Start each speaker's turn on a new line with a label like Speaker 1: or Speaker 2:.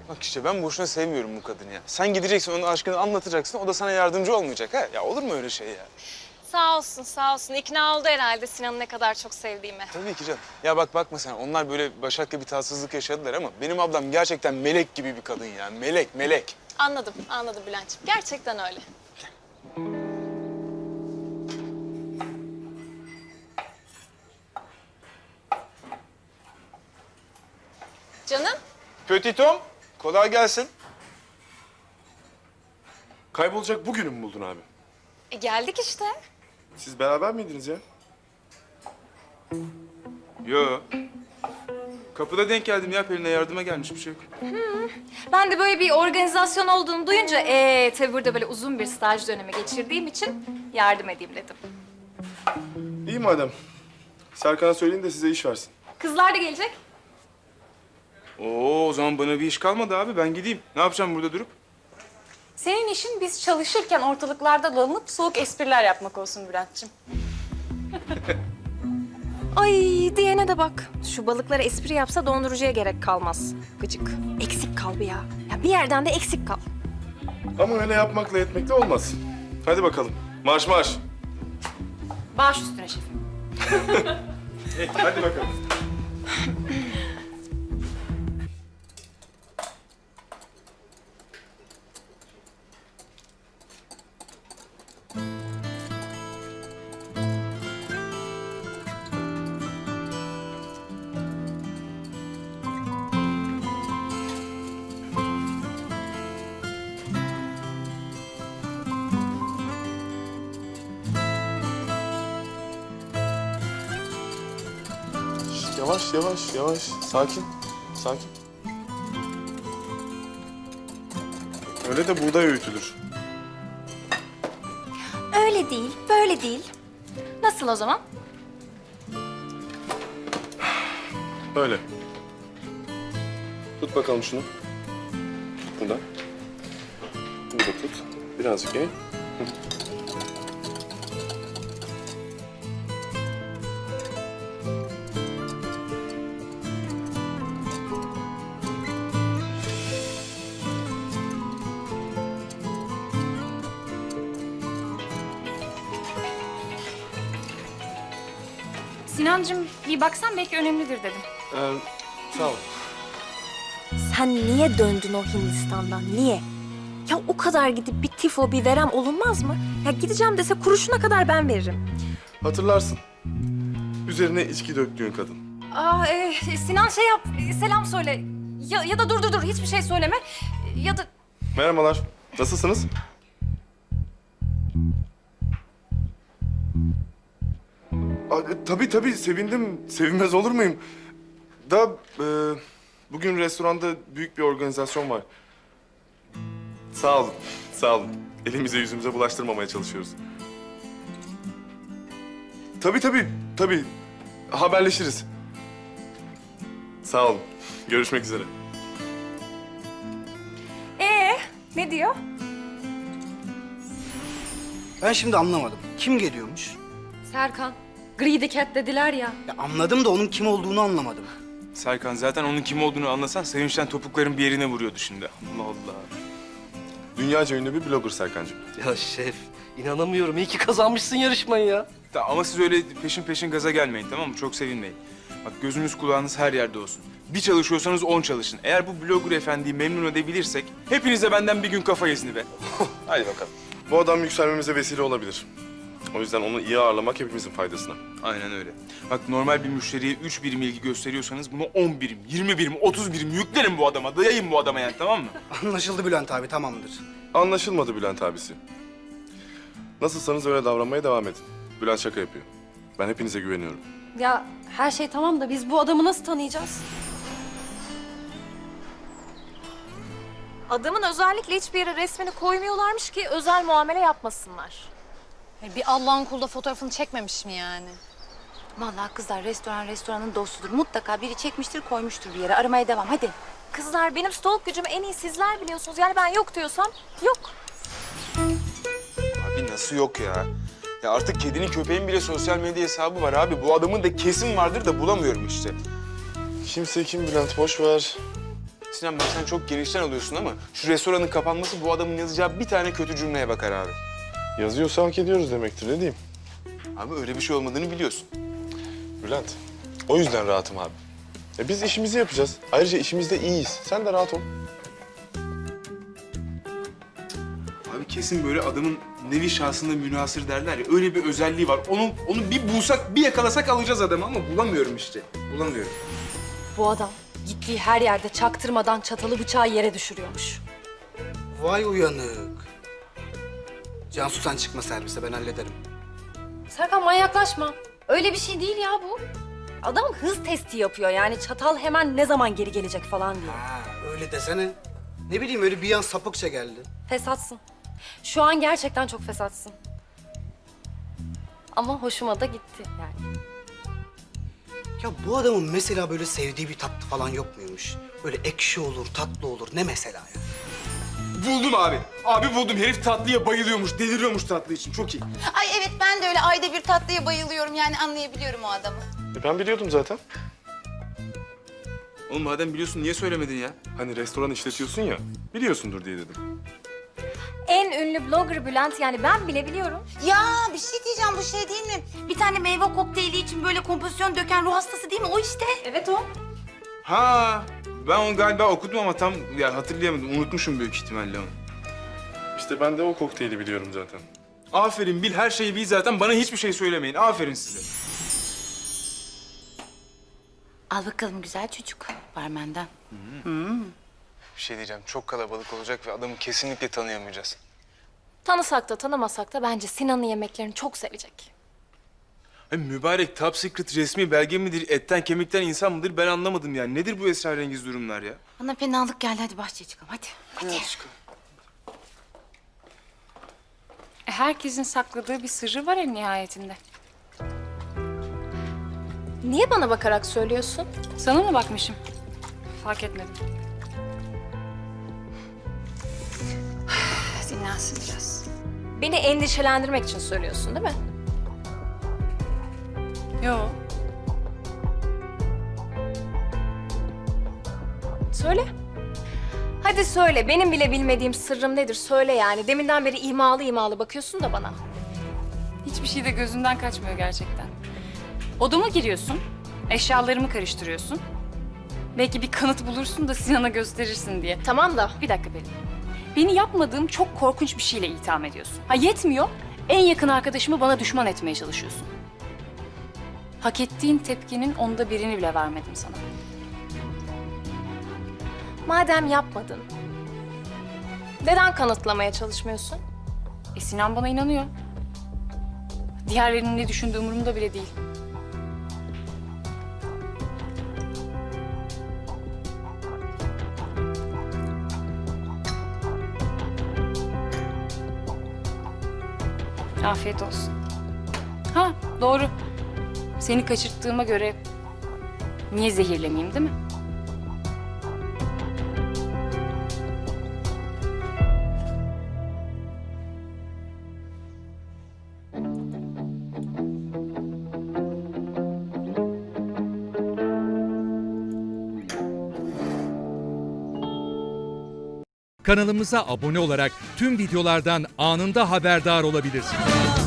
Speaker 1: Bak işte ben boşuna sevmiyorum bu kadını ya. Sen gideceksin, onun aşkını anlatacaksın, o da sana yardımcı olmayacak ha. Ya olur mu öyle şey ya?
Speaker 2: Sağ olsun, sağ olsun. İkna oldu herhalde Sinan'ı ne kadar çok sevdiğime.
Speaker 1: Tabii ki canım. Ya bak bakma sen, onlar böyle Başak'la bir tatsızlık yaşadılar ama benim ablam gerçekten melek gibi bir kadın ya. Melek, melek.
Speaker 2: Anladım, anladım Bülent'ciğim. Gerçekten öyle. Canım,
Speaker 1: Petit Tom, kolay gelsin.
Speaker 3: Kaybolacak bugünü mü buldun abi?
Speaker 2: geldik işte.
Speaker 3: Siz beraber miydiniz ya?
Speaker 1: Yo. Kapıda denk geldim ya, Pelin'e yardıma gelmiş, bir şey yok.
Speaker 2: Ben de böyle bir organizasyon olduğunu duyunca tabii burada böyle uzun bir staj dönemi geçirdiğim için yardım edeyim dedim.
Speaker 3: İyi madem. Serkan'a söyleyin de size iş versin.
Speaker 2: Kızlar da gelecek.
Speaker 1: Oo, o zaman bana bir iş kalmadı abi, ben gideyim. Ne yapacağım burada durup?
Speaker 4: Senin işin biz çalışırken ortalıklarda dolanıp soğuk espriler yapmak olsun Bülent'ciğim.
Speaker 2: Ay diyene de bak. Şu balıklara espri yapsa dondurucuya gerek kalmaz. Gıcık. Eksik kal bir ya. Ya bir yerden de eksik kal.
Speaker 3: Ama öyle yapmakla etmekle olmaz. Hadi bakalım. Marş marş.
Speaker 4: Baş üstüne şefim.
Speaker 3: Hadi bakalım. Yavaş yavaş yavaş. Sakin. Sakin. Öyle de buğday öğütülür.
Speaker 2: Öyle değil, böyle değil. Nasıl o zaman?
Speaker 3: Öyle. Tut bakalım şunu. Buradan. Bunu da tut. Birazcık eğ.
Speaker 4: Sinancığım bir baksan belki önemlidir dedim.
Speaker 3: Sağ ol.
Speaker 2: Sen niye döndün o Hindistan'dan? Niye? Ya o kadar gidip bir tifo, bir verem olunmaz mı? Ya gideceğim dese kuruşuna kadar ben veririm.
Speaker 3: Hatırlarsın. Üzerine içki döktüğün kadın.
Speaker 4: Sinan şey yap, selam söyle. Ya da dur hiçbir şey söyleme. Ya da
Speaker 3: Merhabalar. Nasılsınız? Tabii sevindim. Sevinmez olur muyum? Da bugün restoranda büyük bir organizasyon var. Sağ olun. Sağ olun. Elimize yüzümüze bulaştırmamaya çalışıyoruz. Tabii. Haberleşiriz. Sağ olun. Görüşmek üzere.
Speaker 4: ne diyor?
Speaker 5: Ben şimdi anlamadım. Kim geliyormuş?
Speaker 4: Serkan. Greedy Cat dediler ya.
Speaker 5: Ya anladım da onun kim olduğunu anlamadım.
Speaker 1: Serkan, zaten onun kim olduğunu anlasan sevinçten topukların bir yerine vuruyordu şimdi. Allah Allah.
Speaker 3: Dünyaca ünlü bir blogger Serkancığım.
Speaker 6: Ya şef, inanamıyorum. İyi ki kazanmışsın yarışmayı ya.
Speaker 1: Ama siz öyle peşin peşin gaza gelmeyin, tamam mı? Çok sevinmeyin. Bak, gözünüz kulağınız her yerde olsun. Bir çalışıyorsanız 10 çalışın. Eğer bu blogger efendiyi memnun edebilirsek hepinize benden bir gün kafa izni be. Hadi bakalım.
Speaker 3: Bu adam yükselmemize vesile olabilir. O yüzden onu iyi ağırlamak hepimizin faydasına.
Speaker 1: Aynen öyle. Bak, normal bir müşteriye 3 birim ilgi gösteriyorsanız bunu 10 birim, 20 birim, 30 birim yüklerin bu adama. Dayayın bu adama yani, tamam mı?
Speaker 5: Anlaşıldı Bülent abi, tamamdır.
Speaker 3: Anlaşılmadı Bülent abisi. Nasılsanız öyle davranmaya devam edin. Bülent şaka yapıyor. Ben hepinize güveniyorum.
Speaker 4: Ya her şey tamam da biz bu adamı nasıl tanıyacağız?
Speaker 2: Adamın özellikle hiçbir yere resmini koymuyorlarmış ki özel muamele yapmasınlar.
Speaker 7: Bir Allah'ın kulu da fotoğrafını çekmemiş mi yani?
Speaker 8: Vallahi kızlar restoranın dostudur. Mutlaka biri çekmiştir, koymuştur bir yere. Aramaya devam, hadi.
Speaker 2: Kızlar, benim stalk gücümü en iyi sizler biliyorsunuz. Yani ben yok diyorsam yok.
Speaker 1: Abi nasıl yok ya? Ya artık kedinin köpeğin bile sosyal medya hesabı var abi. Bu adamın da kesin vardır da bulamıyorum işte.
Speaker 3: Kimse kim Bülent, boş ver.
Speaker 1: Sinan bak sen çok genişten alıyorsun ama şu restoranın kapanması bu adamın yazacağı bir tane kötü cümleye bakar abi.
Speaker 3: Yazıyorsa hak ediyoruz demektir, ne diyeyim?
Speaker 1: Abi öyle bir şey olmadığını biliyorsun.
Speaker 3: Bülent, o yüzden rahatım abi. Biz işimizi yapacağız. Ayrıca işimizde iyiyiz. Sen de rahat ol.
Speaker 1: Abi kesin böyle adamın nevi şahsında münhasır derler ya, öyle bir özelliği var. Onu bir bulsak, bir yakalasak alacağız adamı ama bulamıyorum işte. Bulamıyorum.
Speaker 4: Bu adam gittiği her yerde çaktırmadan çatalı bıçağı yere düşürüyormuş.
Speaker 5: Vay uyanık. Cansu sen çıkma servise, ben hallederim.
Speaker 4: Serkan manyaklaşma. Öyle bir şey değil ya bu. Adam hız testi yapıyor yani çatal hemen ne zaman geri gelecek falan diye.
Speaker 5: Ha, öyle desene. Ne bileyim, öyle bir an sapıkça geldi.
Speaker 4: Fesatsın. Şu an gerçekten çok fesatsın. Ama hoşuma da gitti yani.
Speaker 5: Ya bu adamın mesela böyle sevdiği bir tatlı falan yok muymuş? Böyle ekşi olur, tatlı olur. Ne mesela ya?
Speaker 1: Buldum abi. Abi buldum. Herif tatlıya bayılıyormuş, deliriyormuş tatlı için. Çok iyi.
Speaker 8: Ay evet, ben de öyle ayda bir tatlıya bayılıyorum. Yani anlayabiliyorum o adamı.
Speaker 3: Ben biliyordum zaten.
Speaker 1: Oğlum madem biliyorsun niye söylemedin ya?
Speaker 3: Hani restoran işletiyorsun ya, biliyorsundur diye dedim.
Speaker 4: En ünlü blogger Bülent yani ben bile biliyorum.
Speaker 8: Ya bir şey diyeceğim, bu şey değil mi? Bir tane meyve kokteyli için böyle kompozisyon döken ruh hastası değil mi? O işte.
Speaker 4: Evet o.
Speaker 1: Ha, ben onu galiba okudum ama tam ya hatırlayamadım. Unutmuşum büyük ihtimalle onu.
Speaker 3: İşte ben de o kokteyli biliyorum zaten.
Speaker 1: Aferin bil, her şeyi bil zaten. Bana hiçbir şey söylemeyin. Aferin size.
Speaker 8: Al bakalım güzel çocuk, barmenden.
Speaker 1: Bir şey diyeceğim. Çok kalabalık olacak ve adamı kesinlikle tanıyamayacağız.
Speaker 4: Tanısak da tanımasak da bence Sinan'ın yemeklerini çok sevecek.
Speaker 1: Ay mübarek top secret resmi belge midir, etten kemikten insan mıdır ben anlamadım yani. Nedir bu esrarengiz durumlar ya?
Speaker 8: Bana fenalık geldi, hadi bahçeye çıkalım hadi. Hadi.
Speaker 9: Herkesin sakladığı bir sırrı var en nihayetinde.
Speaker 4: Niye bana bakarak söylüyorsun?
Speaker 9: Sana mı bakmışım? Fark etmedim. Dinlensin biraz.
Speaker 4: Beni endişelendirmek için söylüyorsun değil mi?
Speaker 9: Yo.
Speaker 4: Söyle. Hadi söyle. Benim bile bilmediğim sırrım nedir? Söyle yani. Deminden beri imalı imalı bakıyorsun da bana.
Speaker 9: Hiçbir şey de gözünden kaçmıyor gerçekten. Odama giriyorsun, eşyalarımı karıştırıyorsun. Belki bir kanıt bulursun da Sinan'a gösterirsin diye.
Speaker 4: Tamam da.
Speaker 9: Bir dakika Pelin. Beni yapmadığım çok korkunç bir şeyle itham ediyorsun. Ha yetmiyor, en yakın arkadaşımı bana düşman etmeye çalışıyorsun. Hak ettiğin tepkinin 1/10'ını bile vermedim sana.
Speaker 4: Madem yapmadın, neden kanıtlamaya çalışmıyorsun?
Speaker 9: Sinan bana inanıyor. Diğerlerinin ne düşündüğü umurumda bile değil. Afiyet olsun. Ha doğru. Seni kaçırttığıma göre niye zehirlemeyeyim değil mi?
Speaker 10: Kanalımıza abone olarak tüm videolardan anında haberdar olabilirsiniz.